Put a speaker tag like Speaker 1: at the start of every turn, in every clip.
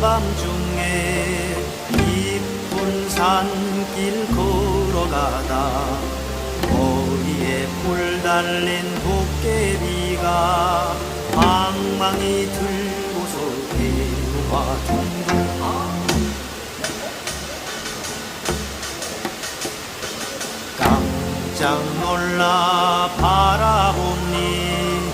Speaker 1: 한밤중에 깊은 산길 걸어가다 머리에 뿔 달린 도깨비가 방망이 들고서 데려와 둥둥 깜짝 놀라 바라보니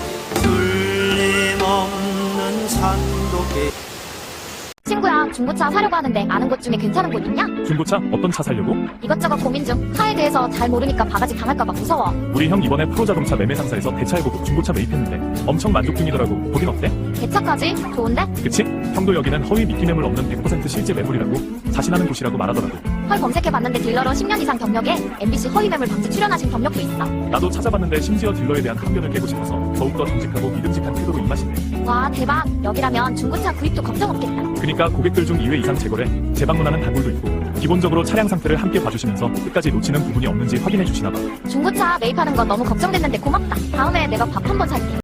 Speaker 1: 틀림없는 산도깨비.
Speaker 2: 친구야, 중고차 사려고 하는데 아는 곳 중에 괜찮은 곳 있냐?
Speaker 3: 중고차? 어떤 차 살려고?
Speaker 2: 이것저것 고민 중. 차에 대해서 잘 모르니까 바가지 당할까봐 무서워.
Speaker 3: 우리 형 이번에 프로자동차 매매 상사에서 대차해보고 중고차 매입했는데 엄청 만족 중이더라고. 보긴 어때?
Speaker 2: 대차까지? 좋은데?
Speaker 3: 그치? 형도 여기는 허위 미끼 매물 없는 100% 실제 매물이라고 자신하는 곳이라고 말하더라고.
Speaker 2: 헐, 검색해봤는데 딜러로 10년 이상 경력에 MBC 허위매물 방지 출연하신 경력도 있어.
Speaker 3: 나도 찾아봤는데 심지어 딜러에 대한 편견을 깨고 싶어서 더욱더 정직하고 믿음직한 태도로 입맛이네.
Speaker 2: 와, 대박. 여기라면 중고차 구입도 걱정 없겠다.
Speaker 3: 그니까 고객들 중 2회 이상 재거래, 재방문하는 단골도 있고 기본적으로 차량 상태를 함께 봐주시면서 끝까지 놓치는 부분이 없는지 확인해 주시나 봐.
Speaker 2: 중고차 매입하는 건 너무 걱정됐는데 고맙다. 다음에 내가 밥 한번 살게.